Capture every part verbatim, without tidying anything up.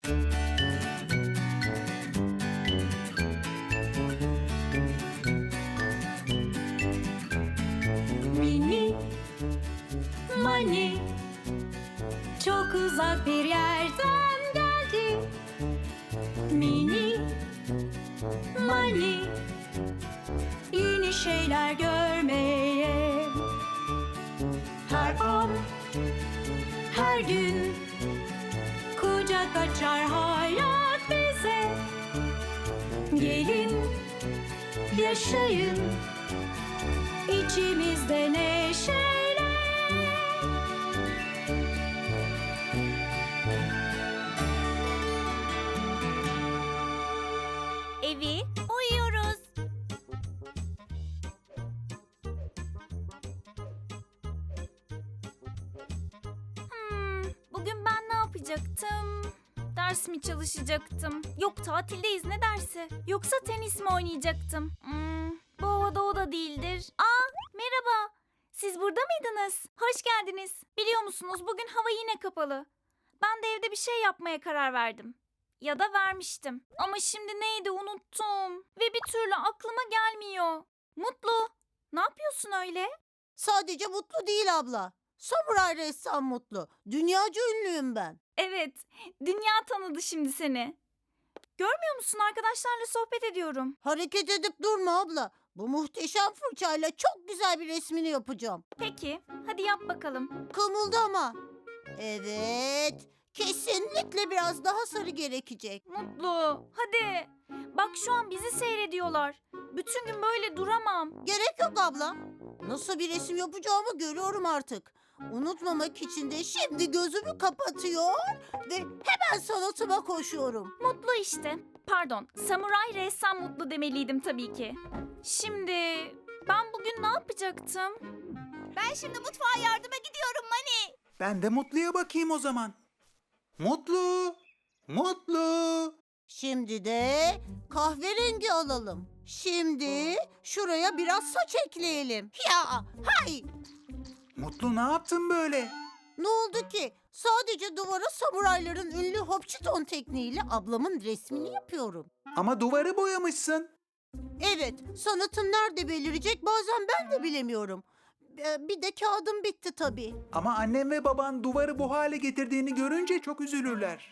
Mini Mani çok uzak bir yerden geldi. Mini Mani yeni şeyler görmeye. Her an, her gün kucak açar hayat bize. Gelin, yaşayın içimizde neşeyle. Evi uyuyoruz. Hmm, bugün ben ne yapacaktım? Ders mi çalışacaktım? Yok, tatildeyiz, ne dersi? Yoksa tenis mi oynayacaktım? Hmm, bu havada o da değildir. Aa, merhaba. Siz burada mıydınız? Hoş geldiniz. Biliyor musunuz, bugün hava yine kapalı. Ben de evde bir şey yapmaya karar verdim. Ya da vermiştim. Ama şimdi neydi unuttum. Ve bir türlü aklıma gelmiyor. Mutlu, ne yapıyorsun öyle? Sadece Mutlu değil abla. Samuray ressam Mutlu. Dünyaca ünlüyüm ben. Evet, dünya tanıdı şimdi seni. Görmüyor musun, arkadaşlarla sohbet ediyorum. Hareket edip durma abla. Bu muhteşem fırçayla çok güzel bir resmini yapacağım. Peki, hadi yap bakalım. Kımıldama. Evet. Kesinlikle biraz daha sarı gerekecek. Mutlu, hadi. Bak şu an bizi seyrediyorlar. Bütün gün böyle duramam. Gerek yok abla. Nasıl bir resim yapacağımı görüyorum artık. Unutmamak için de şimdi gözümü kapatıyor ve hemen sanatıma koşuyorum. Mutlu işte. Pardon, samuray ressam Mutlu demeliydim tabii ki. Şimdi ben bugün ne yapacaktım? Ben şimdi mutfağa yardıma gidiyorum Mani. Ben de Mutlu'ya bakayım o zaman. Mutlu! Mutlu! Şimdi de kahverengi alalım. Şimdi şuraya biraz saç ekleyelim. Ya hay! Mutlu ne yaptın böyle? Ne oldu ki? Sadece duvara samurayların ünlü Hopçiton tekniğiyle ablamın resmini yapıyorum. Ama duvarı boyamışsın. Evet, sanatım nerede belirecek bazen ben de bilemiyorum. Ee, Bir de kağıdım bitti tabii. Ama annem ve baban duvarı bu hale getirdiğini görünce çok üzülürler.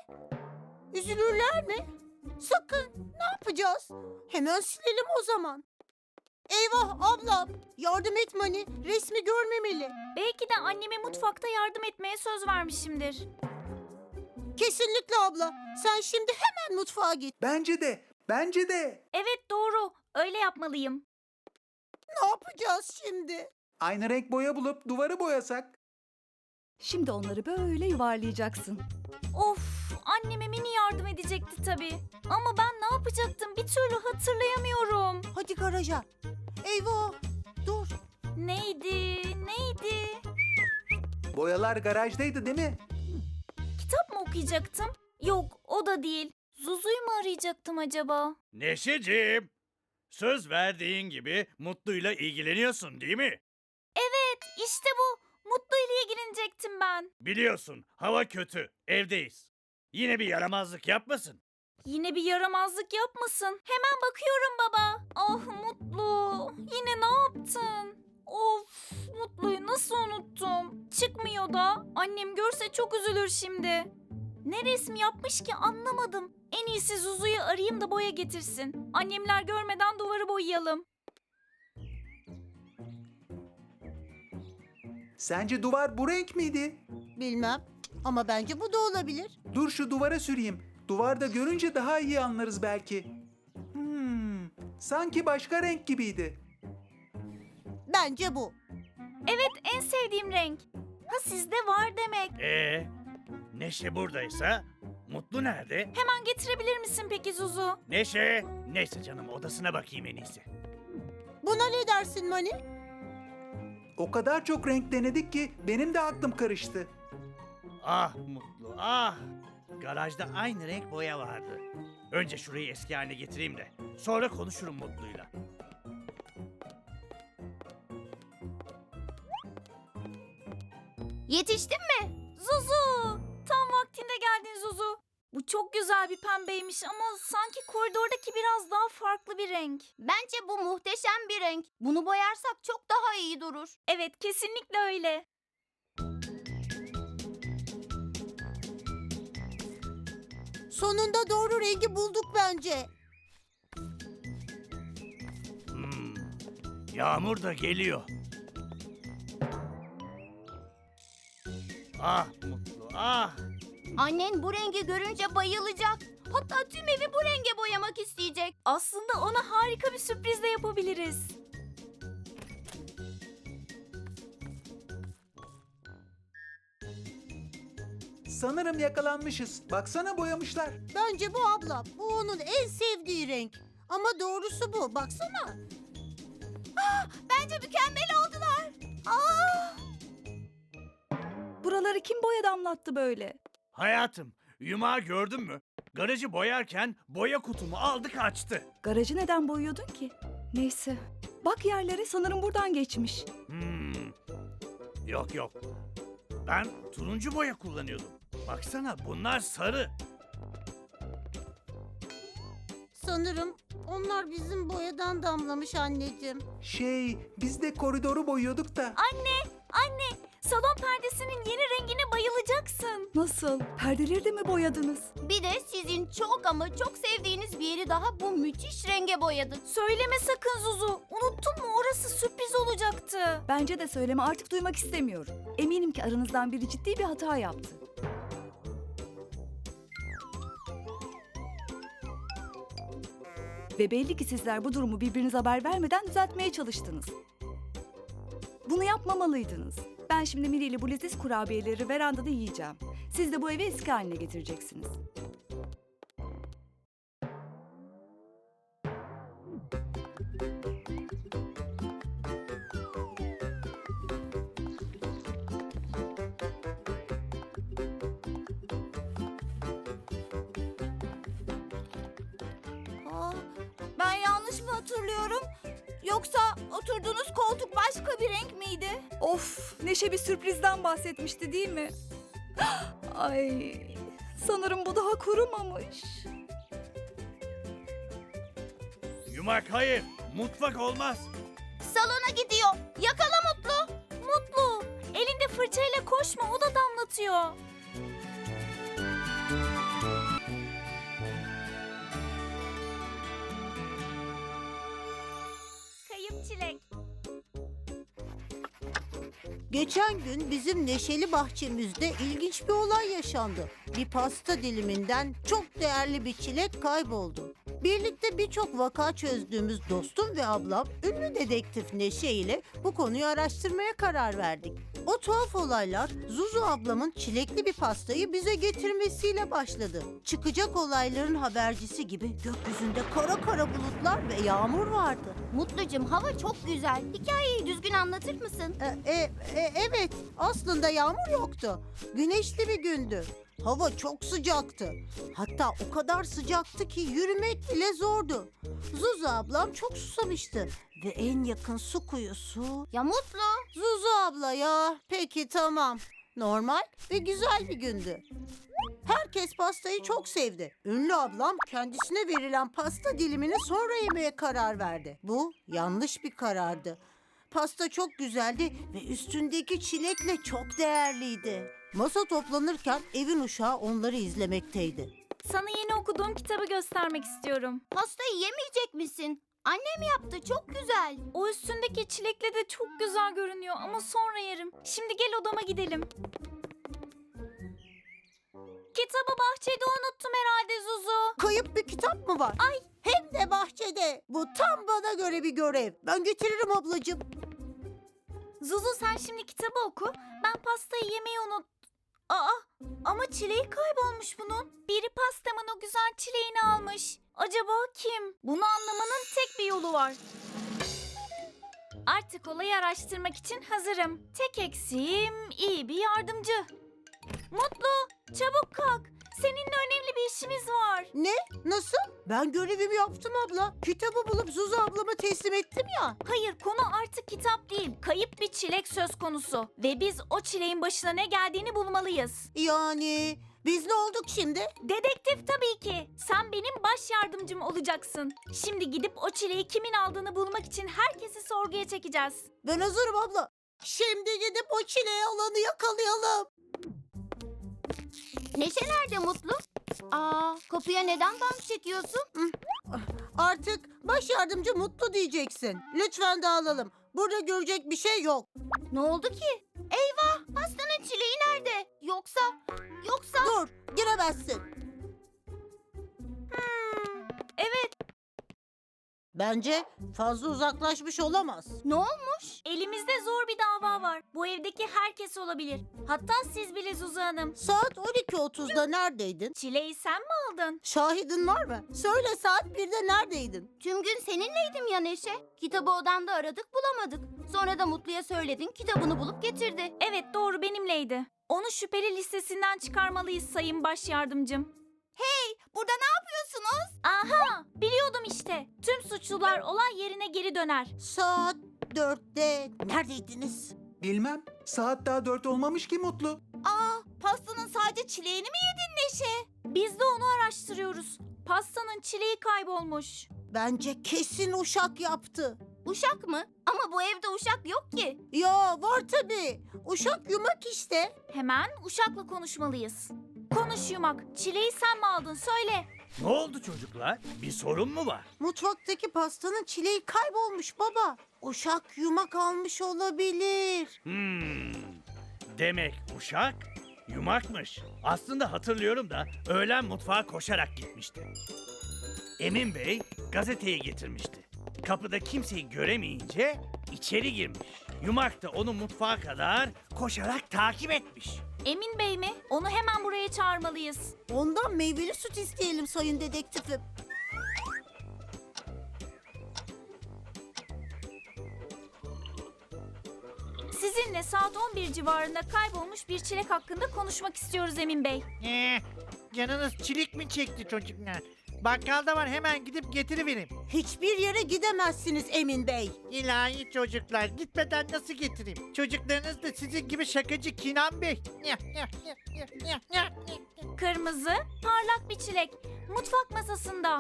Üzülürler mi? Sakın. Ne yapacağız? Hemen silelim o zaman. Eyvah ablam. Yardım et Mani. Resmi görmemeli. Belki de anneme mutfakta yardım etmeye söz vermişimdir. Kesinlikle abla. Sen şimdi hemen mutfağa git. Bence de, bence de. Evet, doğru. Öyle yapmalıyım. Ne yapacağız şimdi? Aynı renk boya bulup duvarı boyasak. Şimdi onları böyle yuvarlayacaksın. Of, anneme mini yardım edecekti tabii. Ama ben ne yapacaktım bir türlü hatırlayamıyorum. Hadi garaja. Eyvah. Dur. Neydi, neydi? Boyalar garajdaydı değil mi? Kitap mı okuyacaktım? Yok, o da değil. Zuzu'yu mu arayacaktım acaba? Neşeciğim, söz verdiğin gibi Mutlu'yla ilgileniyorsun değil mi? Evet, işte bu. Mutlu ile ilgilenecektim ben. Biliyorsun, hava kötü, evdeyiz. Yine bir yaramazlık yapmasın. Yine bir yaramazlık yapmasın. Hemen bakıyorum baba. Ah Mutlu, yine ne yaptın? Of, Mutlu'yu nasıl unuttum? Çıkmıyor da. Annem görse çok üzülür şimdi. Ne resmi yapmış ki anlamadım. En iyisi Zuzu'yu arayayım da boya getirsin. Annemler görmeden duvarı boyayalım. Sence duvar bu renk miydi? Bilmem. Ama bence bu da olabilir. Dur şu duvara süreyim. Duvarda görünce daha iyi anlarız belki. Hmm, sanki başka renk gibiydi. Bence bu. Evet, en sevdiğim renk. Ha, sizde var demek. Ee, Neşe buradaysa Mutlu nerede? Hemen getirebilir misin peki Zuzu? Neşe, neyse canım odasına bakayım en iyisi. Buna ne dersin Mani? O kadar çok renk denedik ki benim de aklım karıştı. Ah Mutlu, ah! Garajda aynı renk boya vardı. Önce şurayı eski haline getireyim de sonra konuşurum Mutlu'yla. Yetiştin mi? Zuzu! Tam vaktinde geldin Zuzu. Bu çok güzel bir pembeymiş ama sanki koridordaki biraz daha farklı bir renk. Bence bu muhteşem bir renk. Bunu boyarsak çok daha iyi durur. Evet, kesinlikle öyle. Sonunda doğru rengi bulduk bence. Hmm, Yağmur da geliyor. Ah Mutlu, ah! Annen bu rengi görünce bayılacak. Hatta tüm evi bu renge boyamak isteyecek. Aslında ona harika bir sürpriz de yapabiliriz. Sanırım yakalanmışız. Baksana boyamışlar. Bence bu abla. Bu onun en sevdiği renk. Ama doğrusu bu. Baksana. Bence mükemmel oldular. Aa! Buraları kim boya damlattı böyle? Hayatım, yumağı gördün mü? Garajı boyarken boya kutumu aldı kaçtı. Garajı neden boyuyordun ki? Neyse. Bak yerlere, sanırım buradan geçmiş. Hmm. Yok yok. Ben turuncu boya kullanıyordum. Baksana bunlar sarı. Sanırım onlar bizim boyadan damlamış anneciğim. Şey, biz de koridoru boyuyorduk da. Anne, anne, salon perdesinin yeni rengine bayılacaksın. Nasıl? Perdeleri de mi boyadınız? Bir de sizin çok ama çok sevdiğiniz bir yeri daha bu müthiş renge boyadık. Söyleme sakın Zuzu. Unuttun mu? Orası sürpriz olacaktı. Bence de söyleme, artık duymak istemiyorum. Eminim ki aranızdan biri ciddi bir hata yaptı. Ve belli ki sizler bu durumu birbirinize haber vermeden düzeltmeye çalıştınız. Bunu yapmamalıydınız. Ben şimdi Miri ile bu leziz kurabiyeleri verandada yiyeceğim. Siz de bu evi eski haline getireceksiniz. Aa, ben yanlış mı hatırlıyorum? Yoksa oturduğunuz koltuk başka bir renk miydi? Of, Neşe bir sürprizden bahsetmişti değil mi? Ay, sanırım bu daha kurumamış. Yumak hayır. Mutfak olmaz. Salona gidiyor. Yakala Mutlu. Mutlu, elinde fırçayla koşma, o da damlatıyor. Kayıp çilek. Geçen gün bizim neşeli bahçemizde ilginç bir olay yaşandı. Bir pasta diliminden çok değerli bir çilek kayboldu. Birlikte birçok vaka çözdüğümüz dostum ve ablam ünlü dedektif Neşe ile bu konuyu araştırmaya karar verdik. O tuhaf olaylar Zuzu ablamın çilekli bir pastayı bize getirmesiyle başladı. Çıkacak olayların habercisi gibi gökyüzünde kara kara bulutlar ve yağmur vardı. Mutlucum, hava çok güzel. Hikayeyi düzgün anlatır mısın? E, e, e, evet, aslında yağmur yoktu. Güneşli bir gündü. Hava çok sıcaktı. Hatta o kadar sıcaktı ki yürümek bile zordu. Zuzu ablam çok susamıştı. Ve en yakın su kuyusu... Ya Mutlu. Zuzu abla ya. Peki tamam. Normal ve güzel bir gündü. Herkes pastayı çok sevdi. Ünlü ablam kendisine verilen pasta dilimini sonra yemeye karar verdi. Bu yanlış bir karardı. Pasta çok güzeldi ve üstündeki çilekle çok değerliydi. Masa toplanırken evin uşağı onları izlemekteydi. Sana yeni okuduğum kitabı göstermek istiyorum. Pastayı yemeyecek misin? Annem yaptı, çok güzel. O üstündeki çilekle de çok güzel görünüyor ama sonra yerim. Şimdi gel odama gidelim. Kitabı bahçede unuttum herhalde Zuzu. Kayıp bir kitap mı var? Ay, hem de bahçede. Bu tam bana göre bir görev. Ben getiririm ablacığım. Zuzu sen şimdi kitabı oku. Ben pastayı yemeyi unut... Aa, ama çileği kaybolmuş bunun. Biri pastamın o güzel çileğini almış. Acaba kim? Bunu anlamanın tek bir yolu var. Artık olayı araştırmak için hazırım. Tek eksiğim iyi bir yardımcı. Mutlu, çabuk kalk. Seninle önemli bir işimiz var. Ne? Nasıl? Ben görevimi yaptım abla. Kitabı bulup Zuzu ablama teslim ettim ya. Hayır, konu artık kitap değil. Kayıp bir çilek söz konusu. Ve biz o çileğin başına ne geldiğini bulmalıyız. Yani Biz ne olduk şimdi? Dedektif tabii ki. Sen benim baş yardımcım olacaksın. Şimdi gidip o çileği kimin aldığını bulmak için herkesi sorguya çekeceğiz. Ben hazırım abla. Şimdi gidip o çileği alanı yakalayalım. Neşe nerede Mutlu? Aa, kapıya neden bam çekiyorsun? Artık baş yardımcı Mutlu diyeceksin. Lütfen dağılalım. Burada görecek bir şey yok. Ne oldu ki? Eyvah, pastanın çileği nerede? Yoksa, yoksa... Dur, giremezsin. Evet, Bence fazla uzaklaşmış olamaz. Ne olmuş? elimizde zor bir dava var. Bu evdeki herkes olabilir. Hatta siz bile Zuzu Hanım. Saat on iki otuzda neredeydin? Çileği sen mi aldın? Şahidin var mı? Söyle saat birde neredeydin? Tüm gün seninleydim ya Neşe. Kitabı odanda aradık bulamadık. Sonra da Mutlu'ya söyledin, kitabını bulup getirdi. Evet, doğru, benimleydi. Onu şüpheli listesinden çıkarmalıyız sayın baş yardımcım. Burada ne yapıyorsunuz? Aha, biliyordum işte. Tüm suçlular olay yerine geri döner. Saat dörtte neredeydiniz? Bilmem. Saat daha dört olmamış ki Mutlu. Aa, pastanın sadece çileğini mi yedin Neşe? Biz de onu araştırıyoruz. Pastanın çileği kaybolmuş. Bence kesin Uşak yaptı. Uşak mı? Ama bu evde uşak yok ki. Ya var tabii. Uşak yumak işte. Hemen Uşak'la konuşmalıyız. Konuş Yumak. Çileği sen mi aldın? Söyle. Ne oldu çocuklar? Bir sorun mu var? Mutfaktaki pastanın çileği kaybolmuş baba. Uşak yumak almış olabilir. Hmm. Demek uşak yumakmış. Aslında hatırlıyorum da öğlen mutfağa koşarak gitmişti. Emin Bey gazeteyi getirmişti. Kapıda kimseyi göremeyince içeri girmiş. Yumak da onu mutfağa kadar koşarak takip etmiş. Emin Bey mi? Onu hemen buraya çağırmalıyız. Ondan meyveli süt isteyelim sayın dedektifim. Sizinle saat on bir civarında kaybolmuş bir çilek hakkında konuşmak istiyoruz Emin Bey. Ee, canınız çilik mi çekti çocuklar? Bakkalda var, hemen gidip getiriverin. Hiçbir yere gidemezsiniz Emin Bey. İlahi çocuklar, gitmeden nasıl getireyim? Çocuklarınız da sizin gibi şakacı Kinan Bey. Kırmızı, parlak bir çilek. Mutfak masasında.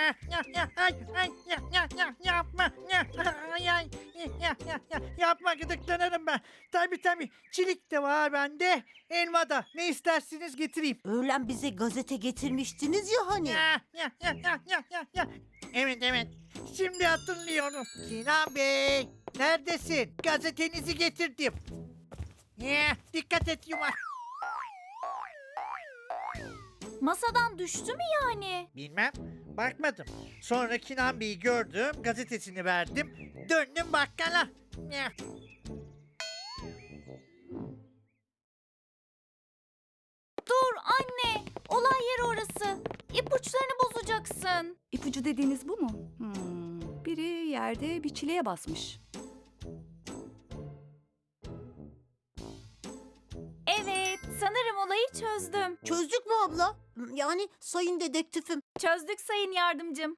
Yapma. Ay, ay. Yapma, gıdıklanırım ben. Tabii tabii, çilik de var bende. Elma da. Ne isterseniz getireyim. Öğlen bize gazete getirmiştiniz ya hani. Ya, ya, ya, ya, ya, ya, ya. Evet evet. Şimdi hatırlıyorum. Sinan Bey, neredesin? Gazetenizi getirdim. Ya, dikkat et yumak. Masadan düştü mü yani? Bilmem. Bakmadım. Sonra Kinan Bey'i gördüm. Gazetesini verdim. Döndüm bakkala. Ya. Dur anne. Olay yeri orası. İpuçlarını bozacaksın. İpucu dediğiniz bu mu? Hmm. Biri yerde bir çileğe basmış. Evet, sanırım olayı çözdüm. Çözdük mü abla? Yani sayın dedektifim. Çözdük sayın yardımcım.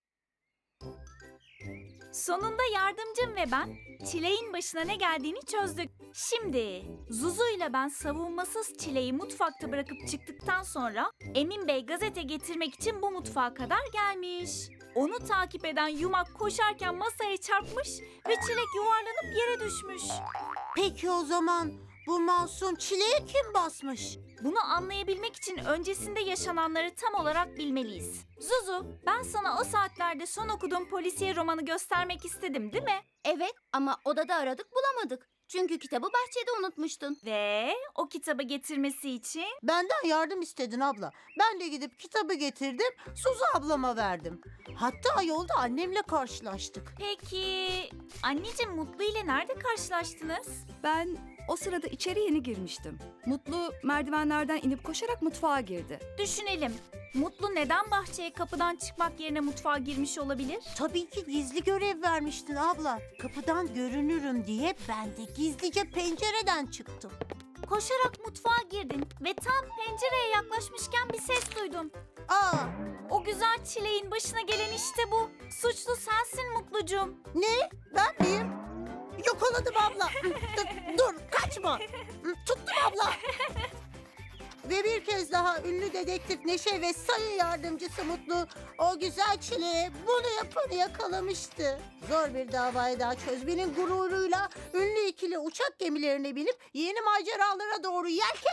Sonunda yardımcım ve ben çileğin başına ne geldiğini çözdük. Şimdi Zuzu ile ben savunmasız çileği mutfakta bırakıp çıktıktan sonra Emin Bey gazete getirmek için bu mutfağa kadar gelmiş. Onu takip eden yumak koşarken masaya çarpmış ve çilek yuvarlanıp yere düşmüş. Peki o zaman bu masum çileğe kim basmış? Bunu anlayabilmek için öncesinde yaşananları tam olarak bilmeliyiz. Zuzu, ben sana o saatlerde son okuduğum polisiye romanı göstermek istedim, değil mi? Evet ama odada aradık bulamadık. Çünkü kitabı bahçede unutmuştun. Ve o kitabı getirmesi için Benden yardım istedin abla. Ben de gidip kitabı getirdim, Suzu ablama verdim. Hatta yolda annemle karşılaştık. peki anneciğim Mutlu ile nerede karşılaştınız? Ben o sırada içeri yeni girmiştim. Mutlu merdivenlerden inip koşarak mutfağa girdi. Düşünelim. Mutlu neden bahçeye kapıdan çıkmak yerine mutfağa girmiş olabilir? Tabii ki gizli görev vermiştin abla. Kapıdan görünürüm diye ben de gizlice pencereden çıktım. Koşarak mutfağa girdin ve tam pencereye yaklaşmışken bir ses duydun. Aa, O güzel çileğin başına gelen işte bu. Suçlu sensin Mutlucuğum. ne? Ben miyim? Yakaladım abla. dur, dur, kaçma. Tuttum abla. Ve bir kez daha ünlü dedektif Neşe ve sayı yardımcısı Mutlu o güzel çileğe bunu yapanı yakalamıştı. Zor bir davayı daha çözmenin gururuyla ünlü ikili uçak gemilerine binip yeni maceralara doğru yelken